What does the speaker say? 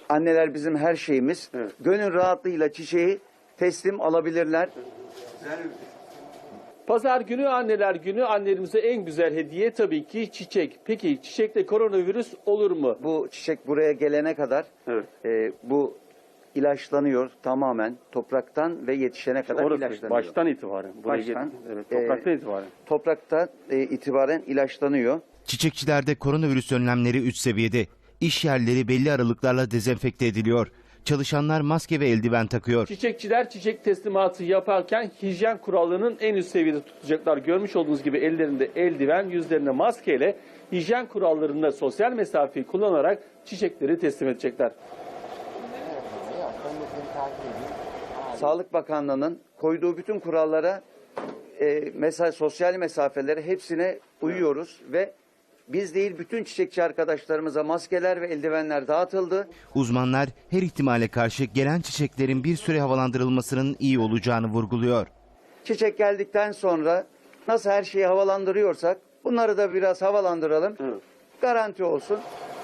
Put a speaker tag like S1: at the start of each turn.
S1: Anneler bizim her şeyimiz.
S2: Evet.
S1: Gönül rahatlığıyla çiçeği teslim alabilirler.
S2: Pazar günü Anneler Günü, annelerimize en güzel hediye tabii ki çiçek. Peki çiçekte koronavirüs olur mu?
S1: Bu çiçek buraya gelene kadar
S2: Evet.
S1: bu ilaçlanıyor tamamen topraktan ve yetişene kadar
S2: Orası
S1: ilaçlanıyor.
S2: baştan itibaren. Buraya
S1: Baştan,
S2: evet, topraktan itibaren.
S1: Topraktan itibaren ilaçlanıyor.
S3: Çiçekçilerde koronavirüs önlemleri 3 seviyede. İş yerleri belli aralıklarla dezenfekte ediliyor. Çalışanlar maske ve eldiven takıyor.
S2: Çiçekçiler çiçek teslimatı yaparken hijyen kurallarının en üst seviyede tutacaklar. Görmüş olduğunuz gibi ellerinde eldiven, yüzlerinde maskeyle hijyen kurallarında sosyal mesafeyi kullanarak çiçekleri teslim edecekler.
S1: Sağlık Bakanlığı'nın koyduğu bütün kurallara, sosyal mesafelere hepsine uyuyoruz ve biz değil bütün çiçekçi arkadaşlarımıza maskeler ve eldivenler dağıtıldı.
S3: Uzmanlar her ihtimale karşı gelen çiçeklerin bir süre havalandırılmasının iyi olacağını vurguluyor.
S1: Çiçek geldikten sonra nasıl her şeyi havalandırıyorsak bunları da biraz havalandıralım.
S2: Evet.
S1: Garanti olsun.